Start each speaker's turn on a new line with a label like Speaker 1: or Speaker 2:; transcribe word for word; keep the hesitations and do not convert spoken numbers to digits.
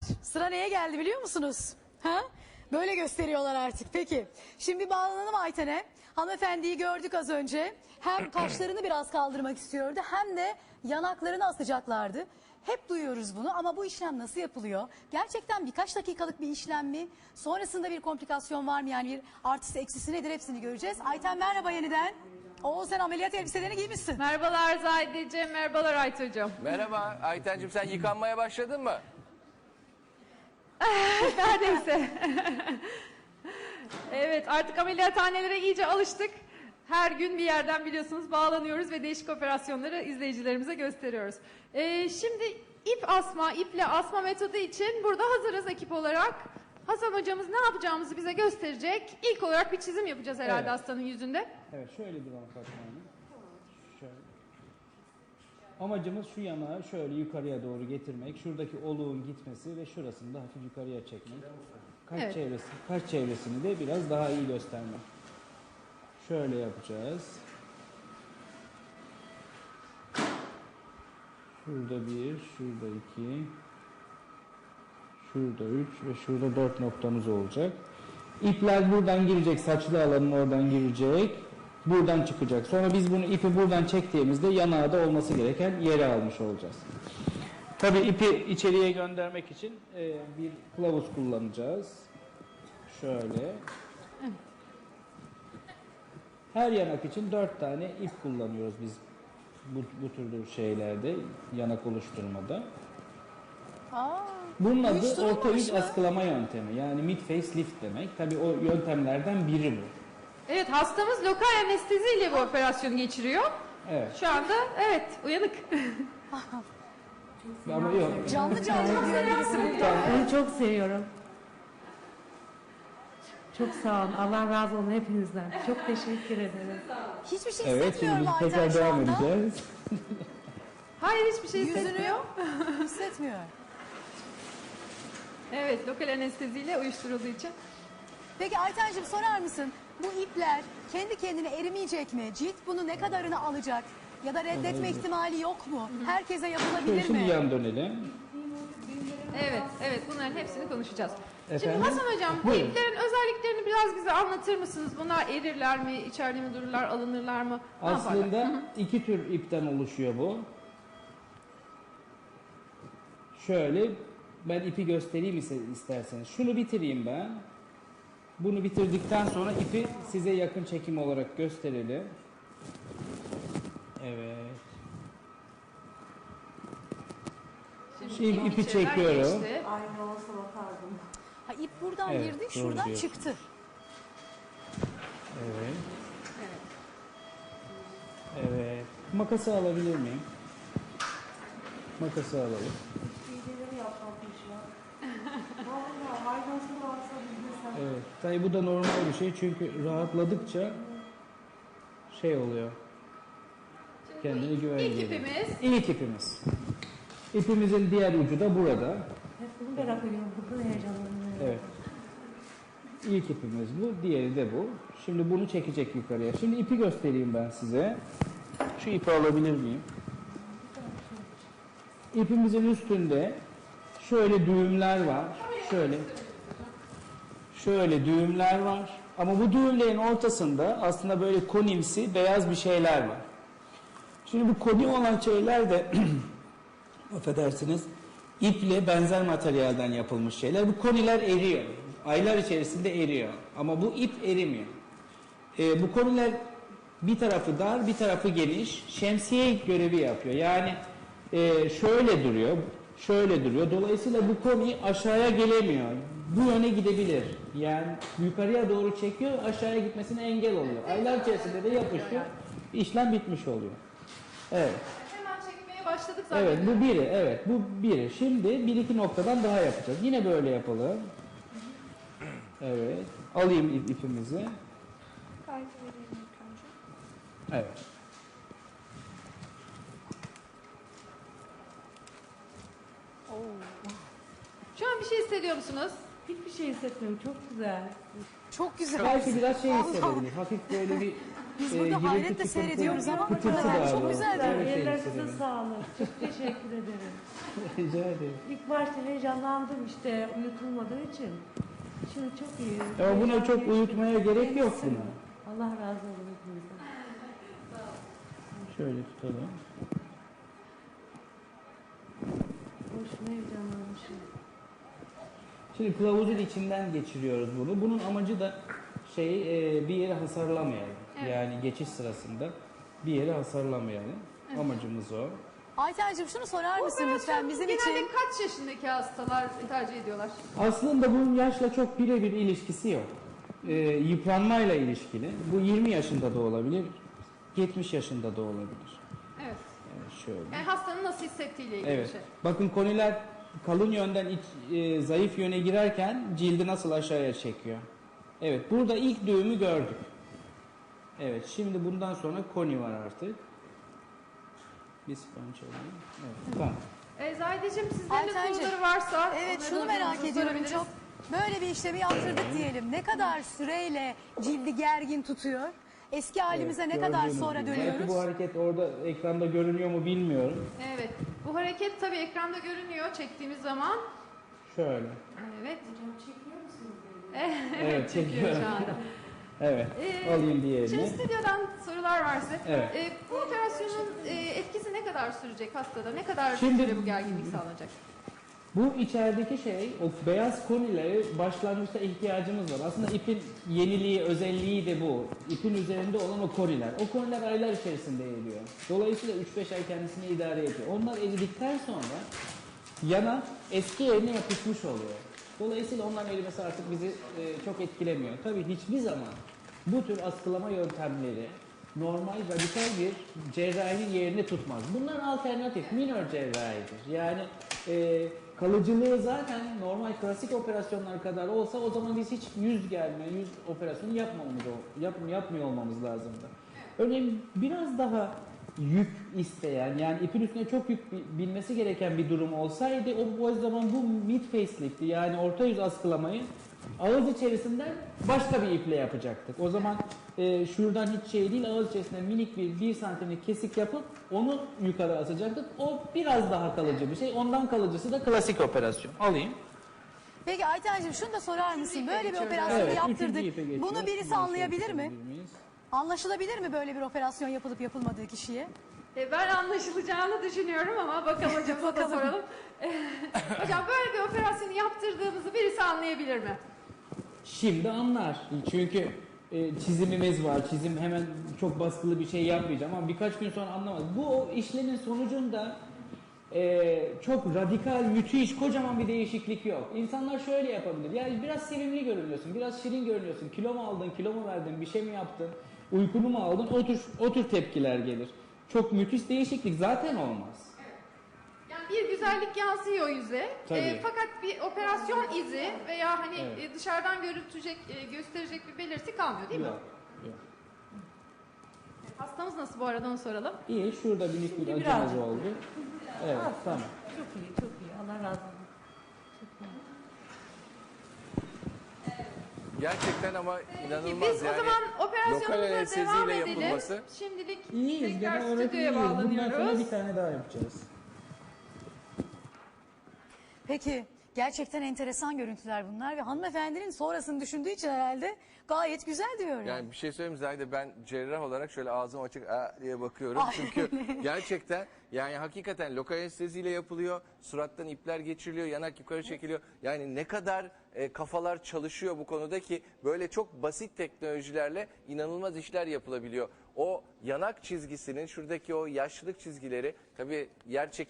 Speaker 1: Sıra neye geldi biliyor musunuz? Ha? Böyle gösteriyorlar artık. Peki. Şimdi bağlanalım Ayten'e. Hanımefendiyi gördük az önce. Hem kaşlarını biraz kaldırmak istiyordu hem de yanaklarını asacaklardı. Hep duyuyoruz bunu ama bu işlem nasıl yapılıyor? Gerçekten birkaç dakikalık bir işlem mi? Sonrasında bir komplikasyon var mı? Yani bir artısı eksisi nedir hepsini göreceğiz. Ayten merhaba yeniden. Oo sen ameliyat elbiselerini giymişsin.
Speaker 2: Merhabalar Zahideciğim, merhabalar Aytucuğum.
Speaker 3: Merhaba Aytencim, sen yıkanmaya başladın mı?
Speaker 2: Neredeyse. Evet, artık ameliyathanelere iyice alıştık. Her gün bir yerden biliyorsunuz bağlanıyoruz ve değişik operasyonları izleyicilerimize gösteriyoruz. Ee, şimdi ip asma, iple asma metodu için burada hazırız ekip olarak. Hasan hocamız ne yapacağımızı bize gösterecek. İlk olarak bir çizim yapacağız herhalde
Speaker 4: Evet.
Speaker 2: hastanın yüzünde.
Speaker 4: Evet, şöyle duralım Fatma Hanım. Şöyle. Amacımız şu yanağı şöyle yukarıya doğru getirmek, şuradaki oluğun gitmesi ve şurasını da hafif yukarıya çekmek. Kaç
Speaker 2: Evet.
Speaker 4: çevresi, kaç çevresini de biraz daha iyi göstermek. Şöyle yapacağız. Şurada bir, şurada iki, şurada üç ve şurada dört noktamız olacak. İpler buradan girecek, saçlı alanın oradan girecek, buradan çıkacak. Sonra biz bunu ipi buradan çektiğimizde yanağı da olması gereken yere almış olacağız. Tabii ipi içeriye göndermek için e, bir kılavuz kullanacağız. Şöyle. Her yanak için dört tane ip kullanıyoruz biz bu, bu tür şeylerde, yanak oluşturmada.
Speaker 1: Aa,
Speaker 4: Bunun adı
Speaker 1: uyuşturulmamış
Speaker 4: orta yüz
Speaker 1: mı?
Speaker 4: askılama yöntemi. Yani mid face lift demek. Tabii o yöntemlerden biri bu.
Speaker 2: Evet, hastamız lokal anesteziyle bu operasyonu geçiriyor.
Speaker 4: Evet.
Speaker 2: Şu anda evet uyanık.
Speaker 4: Ama yok.
Speaker 1: Canlı canlı diyor birisi burada.
Speaker 5: Onu çok seviyorum. Çok sağ olun. Allah razı olsun hepinizden. Çok teşekkür ederim.
Speaker 1: Hiçbir şey
Speaker 4: Evet, şimdi
Speaker 1: hissetmiyorum
Speaker 4: biz
Speaker 1: Ayten
Speaker 4: tekrar
Speaker 1: şu
Speaker 4: devam
Speaker 1: anda.
Speaker 4: edeceğiz.
Speaker 2: Hayır hiçbir şey
Speaker 1: Yüzünü
Speaker 2: hissetmiyor.
Speaker 1: hissetmiyor.
Speaker 2: Evet, lokal anesteziyle uyuşturulduğu için.
Speaker 1: Peki Aytenciğim sorar mısın? Bu ipler kendi kendine erimeyecek mi? Cilt bunu ne kadarını alacak? Ya da reddetme ihtimali yok mu? Herkese
Speaker 4: Şöyle
Speaker 1: yapılabilir
Speaker 4: şimdi
Speaker 1: mi?
Speaker 4: yan dönelim.
Speaker 2: Evet, evet bunların hepsini konuşacağız.
Speaker 4: Efendim?
Speaker 2: Şimdi Hasan Hocam bu
Speaker 4: Buyurun.
Speaker 2: iplerin özelliklerini biraz bize anlatır mısınız? Bunlar erirler mi, içeride mi dururlar, alınırlar mı? Ne yaparlar?
Speaker 4: Aslında iki tür ipten oluşuyor bu. Şöyle, ben ipi göstereyim ise- isterseniz. Şunu bitireyim ben. Bunu bitirdikten sonra ipi size yakın çekim olarak gösterelim. Evet. Şimdi ipi
Speaker 2: içeriden
Speaker 4: çekiyorum.
Speaker 2: geçti.
Speaker 5: Aynı olsa bakardım.
Speaker 1: Ha, ip buradan
Speaker 4: Evet,
Speaker 1: girdi,
Speaker 4: doğru
Speaker 1: şuradan
Speaker 4: diyorsun.
Speaker 1: çıktı.
Speaker 4: Evet. Evet. Makası alabilir miyim? Makası alalım.
Speaker 5: İğneleri yapmamış ya. Vallahi hayvansı varsa bilmesem.
Speaker 4: Evet. Tabii bu da normal bir şey çünkü rahatladıkça şey oluyor. Kendine güven
Speaker 2: İlk
Speaker 4: geliyor.
Speaker 2: ipimiz.
Speaker 4: İlk ipimiz. İpimizin diğer ucu da burada.
Speaker 5: Hep bunu merak ediyorum. Bunu heyecanlanıyorum.
Speaker 4: Evet. İlk ipimiz bu, diğeri de bu. Şimdi bunu çekecek yukarıya. Şimdi ipi göstereyim ben size. Şu ipi alabilir miyim? İpimizin üstünde şöyle düğümler var. Şöyle. Şöyle düğümler var. Ama bu düğümlerin ortasında aslında böyle konimsi beyaz bir şeyler var. Şimdi bu koni olan şeyler de affedersiniz iple benzer materyalden yapılmış şeyler. Bu koniler eriyor. Aylar içerisinde eriyor. Ama bu ip erimiyor. Ee, bu koniler bir tarafı dar, bir tarafı geniş. Şemsiye görevi yapıyor. Yani e, şöyle duruyor, şöyle duruyor. Dolayısıyla bu koni aşağıya gelemiyor. Bu yöne gidebilir. Yani yukarıya doğru çekiyor, aşağıya gitmesine engel oluyor. Aylar içerisinde de yapışıyor. İşlem bitmiş oluyor. Evet.
Speaker 2: Hemen çekmeye başladık zaten.
Speaker 4: Evet bu biri, evet bu biri. Şimdi bir iki noktadan daha yapacağız. Yine böyle yapalım. Evet. Alayım ip, ipimizi. Evet.
Speaker 2: Şu an bir şey hissediyor musunuz?
Speaker 5: Hiçbir şey hissetmiyorum. Çok güzel.
Speaker 1: Çok güzel.
Speaker 4: Belki biraz şey hissedebilir. Hafif böyle bir
Speaker 1: Biz
Speaker 4: e,
Speaker 1: burada
Speaker 4: gürültü
Speaker 1: hayretle
Speaker 4: çıkıntı-
Speaker 1: seyrediyoruz ama
Speaker 4: pıtırtı
Speaker 1: hakikaten
Speaker 4: da
Speaker 1: çok
Speaker 4: var.
Speaker 1: güzel.
Speaker 4: Evet, evet,
Speaker 5: Ellerinize
Speaker 4: evet.
Speaker 5: sağlık. Çok teşekkür ederim.
Speaker 4: Rica ederim.
Speaker 5: İlk başta heyecanlandım işte uyutulmadığı için. Şimdi çok iyi.
Speaker 4: Ama buna
Speaker 5: Heyecan
Speaker 4: çok
Speaker 5: geçti.
Speaker 4: uyutmaya gerek yok
Speaker 5: Geçsin.
Speaker 4: buna.
Speaker 5: Allah razı olsun hepinizden.
Speaker 4: Şöyle tutalım.
Speaker 5: Boşuna heyecanlanmışım.
Speaker 4: Şimdi kılavuzun içinden geçiriyoruz bunu. Bunun amacı da şey e, bir yere hasarlamayalım.
Speaker 2: Evet.
Speaker 4: Yani geçiş sırasında bir yere hasarlamayalım. Amacımız o.
Speaker 1: Aytencim şunu sorar mısın lütfen bizim
Speaker 2: genelde
Speaker 1: için?
Speaker 2: kaç yaşındaki hastalar tercih ediyorlar?
Speaker 4: Aslında bunun yaşla çok birebir ilişkisi yok. E, yıpranmayla ilişkili. Bu yirmi yaşında da olabilir, yetmiş yaşında da olabilir.
Speaker 2: Evet.
Speaker 4: Evet, şöyle.
Speaker 2: Yani hastanın nasıl hissettiğiyle ilgili
Speaker 4: Evet.
Speaker 2: bir şey.
Speaker 4: Bakın koniler kalın yönden iç, e, zayıf yöne girerken cildi nasıl aşağıya çekiyor. Evet, burada ilk düğümü gördük. Evet, şimdi bundan sonra koni var artık. Bir sponge alayım. Evet, tamam.
Speaker 2: E, Zahideciğim sizlerin de
Speaker 1: Aytencim,
Speaker 2: soruları varsa...
Speaker 1: Evet
Speaker 2: onları
Speaker 1: şunu
Speaker 2: da
Speaker 1: merak
Speaker 2: hocamıza
Speaker 1: ediyorum
Speaker 2: sorabiliriz.
Speaker 1: çok. Böyle bir işlemi yaptırdık diyelim. Ne kadar süreyle cildi gergin tutuyor? Eski halimize
Speaker 4: Evet,
Speaker 1: ne kadar
Speaker 4: gördüğünüz
Speaker 1: sonra
Speaker 4: gibi.
Speaker 1: dönüyoruz?
Speaker 4: Belki bu hareket orada ekranda görünüyor mu bilmiyorum.
Speaker 2: Evet. Bu hareket tabii ekranda görünüyor çektiğimiz zaman.
Speaker 4: Şöyle.
Speaker 2: Evet.
Speaker 4: Evet,
Speaker 2: Çekiyor
Speaker 4: çekiyorum.
Speaker 2: şu anda.
Speaker 4: Evet,
Speaker 2: Ee,
Speaker 4: alayım
Speaker 2: Şimdi
Speaker 4: diğerini.
Speaker 2: stüdyodan sorular var size.
Speaker 4: Evet.
Speaker 2: Ee, bu operasyonun e, etkisi ne kadar sürecek hastada? Ne kadar
Speaker 4: Şimdi-
Speaker 2: süre bu gerginlik sağlanacak?
Speaker 4: Bu içerideki şey, o beyaz konileri başlangıçta ihtiyacımız var. Aslında ipin yeniliği, özelliği de bu. İpin üzerinde olan o koniler. O koniler aylar içerisinde eriyor. Dolayısıyla üç beş ay kendisini idare ediyor. Onlar eridikten sonra yana eski yerine yapışmış oluyor. Dolayısıyla onların erimesi artık bizi e, çok etkilemiyor. Tabii hiçbir zaman bu tür askılama yöntemleri normal radikal bir cerrahinin yerini tutmaz. Bunlar alternatif, minor cerrahidir. Yani e, kalıcılığı zaten normal klasik operasyonlar kadar olsa o zaman biz hiç yüz gelme, yüz operasyonu yapmamamız, yap, yapmıyor olmamız lazımdı. Örneğin biraz daha yük isteyen, yani ipin üstüne çok yük bi- binmesi gereken bir durum olsaydı o, o zaman bu mid facelift'i, yani orta yüz askılamayı ağız içerisinden başka bir iple yapacaktık. O zaman e, şuradan hiç şey değil, ağız içerisinden minik bir bir santimlik kesik yapıp onu yukarı asacaktık. O biraz daha kalıcı bir şey. Ondan kalıcısı da klasik operasyon. Alayım.
Speaker 1: Peki Aytencim şunu da sorar mısın? Böyle bir
Speaker 2: geçiyoruz.
Speaker 1: operasyonu
Speaker 4: Evet, üçüncü
Speaker 1: yaptırdık.
Speaker 4: ipe geçiyoruz.
Speaker 1: Bunu birisi
Speaker 4: Bunu
Speaker 1: anlayabilir
Speaker 4: şöyle
Speaker 1: mi?
Speaker 4: tutabilir miyiz?
Speaker 1: Anlaşılabilir mi böyle bir operasyon yapılıp yapılmadığı kişiye?
Speaker 2: E, ben anlaşılacağını düşünüyorum ama bakalım hocamıza da soralım. Hocam böyle bir operasyonu yaptırdığımızı birisi anlayabilir mi?
Speaker 4: Şimdi anlar. Çünkü e, çizimimiz var. Çizim hemen çok baskılı bir şey yapmayacağım ama birkaç gün sonra anlamaz. Bu o işlemin sonucunda e, çok radikal, müthiş, kocaman bir değişiklik yok. İnsanlar şöyle yapabilir. Yani biraz sevimli görünüyorsun, biraz şirin görünüyorsun. Kilo mu aldın, kilo mu verdin, bir şey mi yaptın, uykunu mu aldın? O tür, o tür tepkiler gelir. Çok müthiş değişiklik zaten olmaz.
Speaker 2: Yani bir güzellik yansıyor yüze.
Speaker 4: Tabii.
Speaker 2: E, fakat bir operasyon izi veya hani
Speaker 4: Evet.
Speaker 2: e, dışarıdan görüntülecek, e, gösterecek bir belirti kalmıyor değil mi?
Speaker 4: Yok, yok.
Speaker 2: Hastamız nasıl bu arada onu soralım.
Speaker 4: İyi, şurada minik bir
Speaker 5: Şimdi
Speaker 4: acımız
Speaker 5: birazcık.
Speaker 4: oldu. Evet, tamam.
Speaker 5: Çok iyi, çok iyi. Allah razı olsun. Çok iyi.
Speaker 3: Gerçekten ama
Speaker 2: Peki
Speaker 3: inanılmaz
Speaker 2: biz
Speaker 3: yani.
Speaker 2: o zaman
Speaker 3: lokal
Speaker 2: operasyonumuza
Speaker 3: anesteziyle
Speaker 2: devam edelim.
Speaker 3: yapılması.
Speaker 2: Şimdilik
Speaker 4: İyiyiz,
Speaker 2: tekrar
Speaker 4: genel olarak
Speaker 2: stüdyoya
Speaker 4: iyiyiz. Bundan sonra
Speaker 2: bağlanıyoruz.
Speaker 4: bir tane daha yapacağız.
Speaker 1: Peki gerçekten enteresan görüntüler bunlar ve hanımefendinin sonrasını düşündüğü için herhalde gayet güzel diyor yani.
Speaker 3: Yani bir şey söyleyeyim mi Zahide, ben cerrah olarak şöyle ağzım açık "Aa" diye bakıyorum.
Speaker 1: Ay.
Speaker 3: Çünkü gerçekten yani hakikaten lokal anesteziyle yapılıyor. Surattan ipler geçiriliyor, yanak yukarı çekiliyor. Yani ne kadar e, kafalar çalışıyor bu konuda ki böyle çok basit teknolojilerle inanılmaz işler yapılabiliyor. O yanak çizgisinin şuradaki o yaşlılık çizgileri tabii yer çekimi